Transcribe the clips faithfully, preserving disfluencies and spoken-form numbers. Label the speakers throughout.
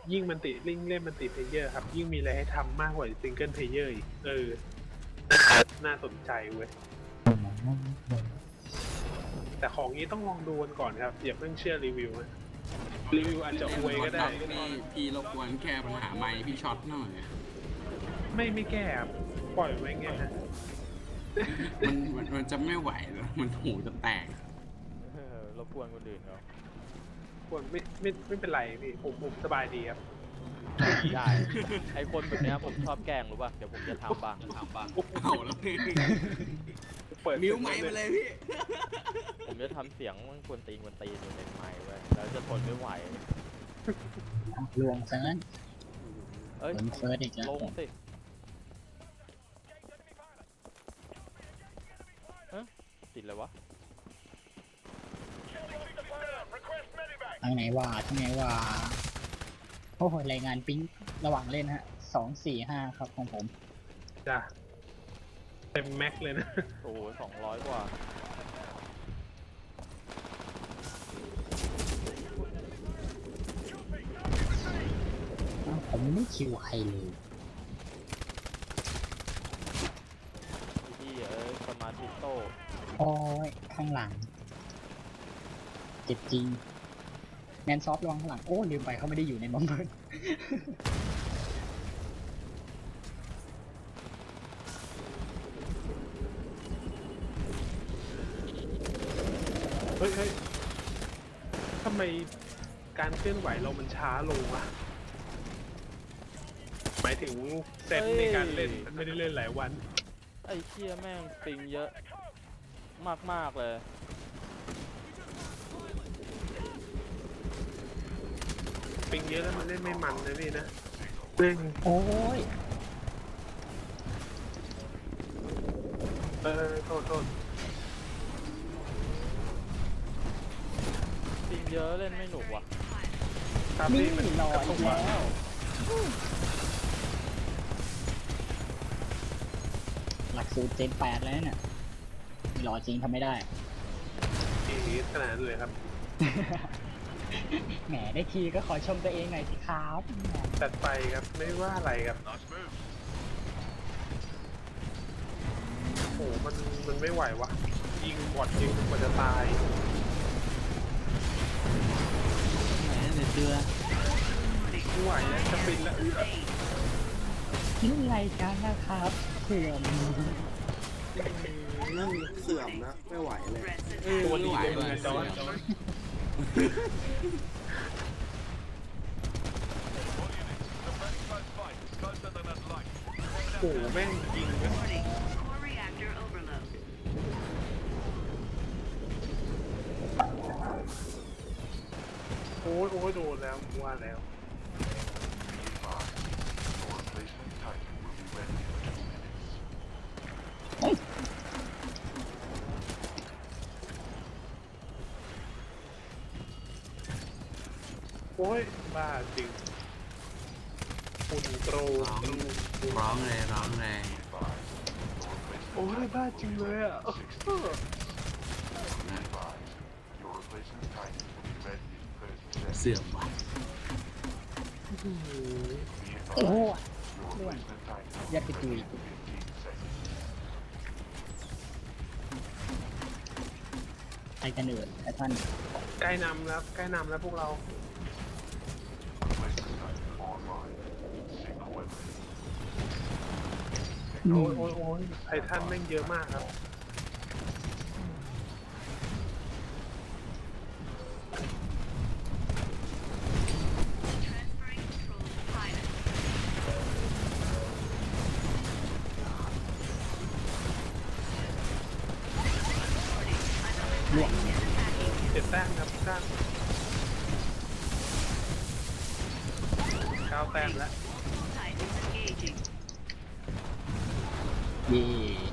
Speaker 1: ยิ่งมันติลิงเล่นมันติเพลเยอร์ครับยิ่งมีอะไรให้ทำมากกว่าซิงเกิลเพลเยอร์อีกเออน่าสนใจเว้ยแต่ของนี้ต้องลองดูกันก่อนครับอย่าเพิ่งเชื่อรีวิวนะรีวิวอาจจะอวยก็ได้
Speaker 2: พี่พี่รบกวนแก้ปัญหาไมค์พี่ช็อตหน่อย
Speaker 1: ไม่ไม่แก้ครับปล่อยไว้เงี้ยนะ
Speaker 2: มันมันมันจะไม่ไหวแล้วมันหูจะแตก
Speaker 3: รบกวนคนอื่นเขา
Speaker 1: ควรไม่ไม่ไม่เป็นไรพี่ผมผมสบายดีครับ
Speaker 3: ได้ไอคนแบบนี้ผมชอบแกล้งรู้ป่ะเดี๋ยวผมจะทำบ้างทำบ้าง
Speaker 2: เอาแล้วพี่
Speaker 1: เปิด
Speaker 2: มิวไมค์มาเลยพี่
Speaker 3: ผมจะทำเสียงมันควรตีนควรตีนอยู่ในไมค์ไว้แล้วจะทนไม่ไหว
Speaker 4: ลวงซะงั้น
Speaker 3: เอ้ย
Speaker 4: เฟิร์สอีกแล้ว
Speaker 3: ลงสิเอ๊ะติดเลยวะ
Speaker 4: ทางไหนวะทางไหนวะโอ้โหรายงานปิ๊งระหว่างเล่นฮะสองสี่ห้าครับของผม
Speaker 1: จ้ะเต็มแม็กเลยนะ
Speaker 3: โอ้โหสองร้อยกว่า
Speaker 4: ผมไม่คิวใครเลย
Speaker 3: ที่เอ้ยสมาธิโต
Speaker 4: โอ้ยข้างหลังเจ็บจริงแมนซอฟต์ระวังข้างหลังโอ้ลืมไปเขาไม่ได้อยู่ในบอมเบิร์น
Speaker 1: เฮ้ยเฮ้ยทำไมการเคลื่อนไหวเรามันช้าลงวะหมายถึงเซตในการเล่นไม่ได้เล่นหลายวัน
Speaker 3: ไอ้เชี่ยแม่งปิงเยอะมากๆเลย
Speaker 1: ปิงเยอะแล้วมันเล่นไม่มันนะพี่นะเล่น
Speaker 4: โอ้ย
Speaker 1: เออโทษโทษ
Speaker 3: ปิงเยอะเล่นไม่หนุกว่ะ
Speaker 4: นี่รออีกแล้วหลักสูตรเจนแปดแล้วเนี่ยรอจริงทำไม่ได้
Speaker 1: อีกขนาดนั้นเลยครับ
Speaker 4: แหมได้ทีก็ขอชมตัวเองหน่อยสิครับ
Speaker 1: จัดไปครับไม่ว่าอะไรครับโอ้มันมันไม่ไหววะยิงบอดยิงมันจะตาย
Speaker 4: ไหนเดี๋ยวเจอ
Speaker 1: ไม่ไหวแล้วจะปิดแล้ว
Speaker 4: นี่ไรกันนะครับเสื่อม
Speaker 5: นั่งเสื่อมนะไม่ไหวเลย
Speaker 1: ตัวดีเลยเหมือนจอนโอ้แม่งยิงนะโอ้ยโอ้ยโดนแล้วว่าแล้วโอ้ยบ้าจริงคุณโตร
Speaker 2: ร้องเลยร้องเลย
Speaker 1: โอ้ยบ้าจริงเลยอ่ะ
Speaker 2: เสื่อมว่ะ
Speaker 4: โอ้ล้วนยัดไปตุยใครกันเอ่ยท่าน
Speaker 1: ใกล้นำแล้วใกล้นำแล้วพวกเราโอ้ยโอ้ยโอ้ยไททันแม่งเยอะมากครับเจ็ดแต้มครับสร้างเก้าแต้มแล้ว
Speaker 4: เย่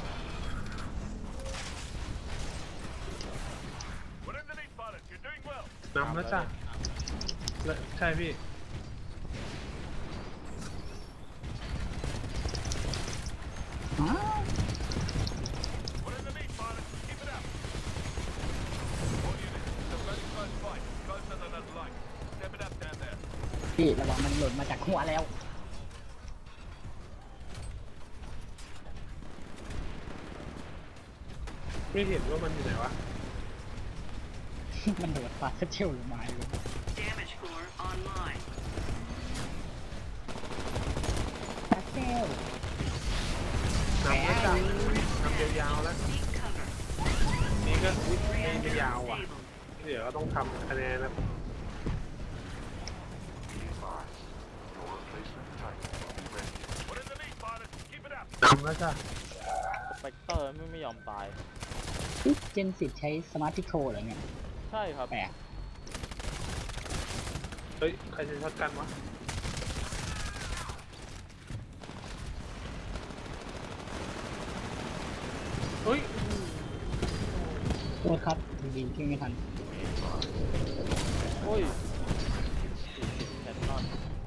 Speaker 1: นำแล้วจ้ะใช่พี่
Speaker 4: พี่ระวังมันหล่นมาจากหัวแล้ว
Speaker 1: ไม่เห็นว่ามันอยู่ไหนวะ
Speaker 4: มันโดดปลาเชลลงมาเลย
Speaker 6: Damage core online.
Speaker 4: ปลาเชล
Speaker 1: นำแล้วจ้ะนำยาวๆแล้ว
Speaker 6: Seek cover.
Speaker 1: นี่ก็อุ๊ยไม่ไม่
Speaker 6: Commander
Speaker 1: ยาวอ่ะ
Speaker 6: disabled.
Speaker 1: เดี๋ยวก็ต้องทำคะแนนนะนำแล้วจ้ะ
Speaker 3: สเปกเตอร์ไม่ไม่ยอมตาย
Speaker 4: เจนสิบใช้สมาร์ทพิโคเหรอเนี่ย
Speaker 3: ใช่ครับ
Speaker 4: แปลก
Speaker 1: เฮ้ย ใครจะช็อตกันวะ เฮ้ย
Speaker 4: โทษครับยิงๆขึ้นไม่ทัน
Speaker 3: โอ้ยแคนนอน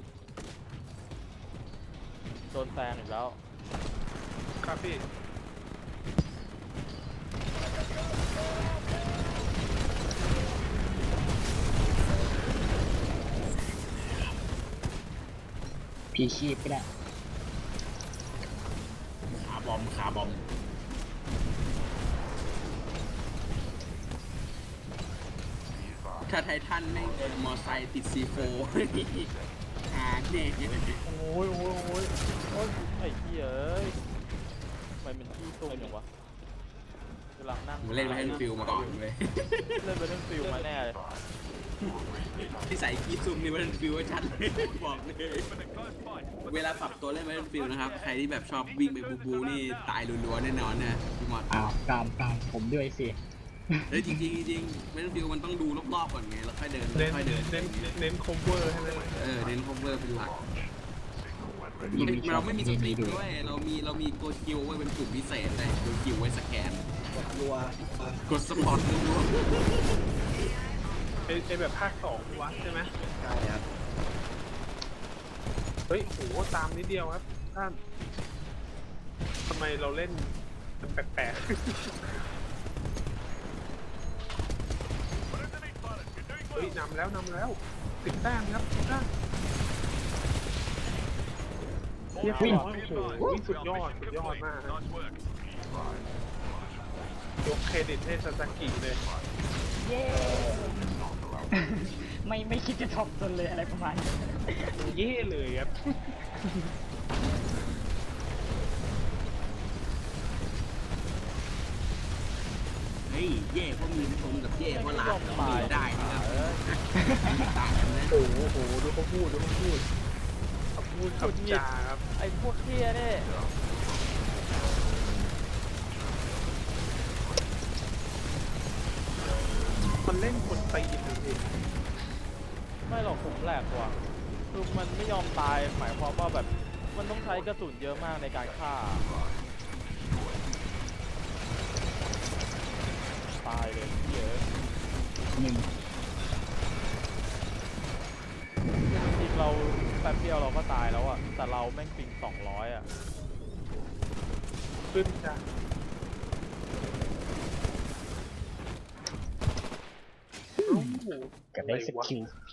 Speaker 3: โดนแซงอีกแล้ว
Speaker 1: ครับพี่
Speaker 4: พีชีพก็ได้
Speaker 2: ขาบอมขาบอมถ้าไททันแม่งมอไซค์ติดซีโฟหาเนี่ย
Speaker 1: โอ้ยโอ้ยโอ้ย
Speaker 3: โอ้ยไอ้เหี้ยเอ้ยทำไมเป็นที่ตุ้มอย่างวะกำลังนั่ง
Speaker 2: ผมเล่นมาให้ฟิลมาก่อนเลย
Speaker 3: เล่นไปเล่นฟิลมาแน่เลย
Speaker 2: ที่ใส่กีซุ่มนี่มันฟิลว่าชัดเลยบอกเลย เวลาปรับตัวเล่นมาเล่นฟิลนะครับ ใครที่แบบชอบวิ่งไปบูบูนี่ตายรัวๆแน่นอนนะพี่มอด
Speaker 4: อ้าวกามกามผมด้วยสิ
Speaker 2: เฮ้ยจริงๆจริงๆเล่นฟิลมันต้องดูรอบๆก่อนไงแล้วค่อยเดิน
Speaker 1: เน้น
Speaker 2: ค่อยเดิน
Speaker 1: เน้นเน้นคอมเวอร์ให้ไหม
Speaker 2: เออเน้นคอมเวอร์เป็นหลัก
Speaker 4: ยิงไม่ชอ
Speaker 2: เรา
Speaker 4: บ
Speaker 2: ไม่มีส
Speaker 4: ยิง
Speaker 2: ตรี
Speaker 4: ไม่
Speaker 2: ม
Speaker 4: ดู
Speaker 2: ด้วยเรามีเรามีโกดคิวไว้เป็นกลุ่มพิเศษเลยโกดคิวไว้สแกน
Speaker 5: รัว
Speaker 2: กดสปอร์ตรัว
Speaker 1: ไอไอแบบภาคสองวะใช่ไหม
Speaker 5: ใช่ครับ
Speaker 1: เฮ้ยโหตามนิดเดียวครับท่านทำไมเราเล่นมันแปลกๆ เฮ้ยนำแล้วนำแล้วสิบแต้มครับสิบแต้มเรียบร้อยโอ้โหสุดยอดสุดยอดมากครับยกเครดิตให้ซาซากิเลย
Speaker 4: เย้ ไม่ไม่คิดจะทำตนเลยอะไรประมาณนี้
Speaker 1: เย่เลยครับ
Speaker 2: ๆเฮ้ยเย่เพราะมีตรงกับเย่เพราะหลาน
Speaker 3: ไม่ยอมตาย
Speaker 2: ได้นะครับ
Speaker 3: เออ
Speaker 2: ต่างกันนะ
Speaker 1: โอ้โหโหดูเขาพูดดูเขาพูดเขาพูดคำจาครับ
Speaker 3: ไอ้พวกเหี้ยนี่
Speaker 1: มันเล่นคนตีนเลยพี่
Speaker 3: ไม่หรอกผมแหลกกว่าคือมันไม่ยอมตายหมายความว่าแบบมันต้องใช้กระสุนเยอะมากในการฆ่าตายเลยเหี้ยอะ
Speaker 4: หนึ่ง
Speaker 3: จริงๆเราแป๊บเดียวเราก็ตายแล้วอะแต่เราแม่งปิงสองร้อยอะ
Speaker 1: ขึ้นจ้ะ
Speaker 4: กับได้สกิล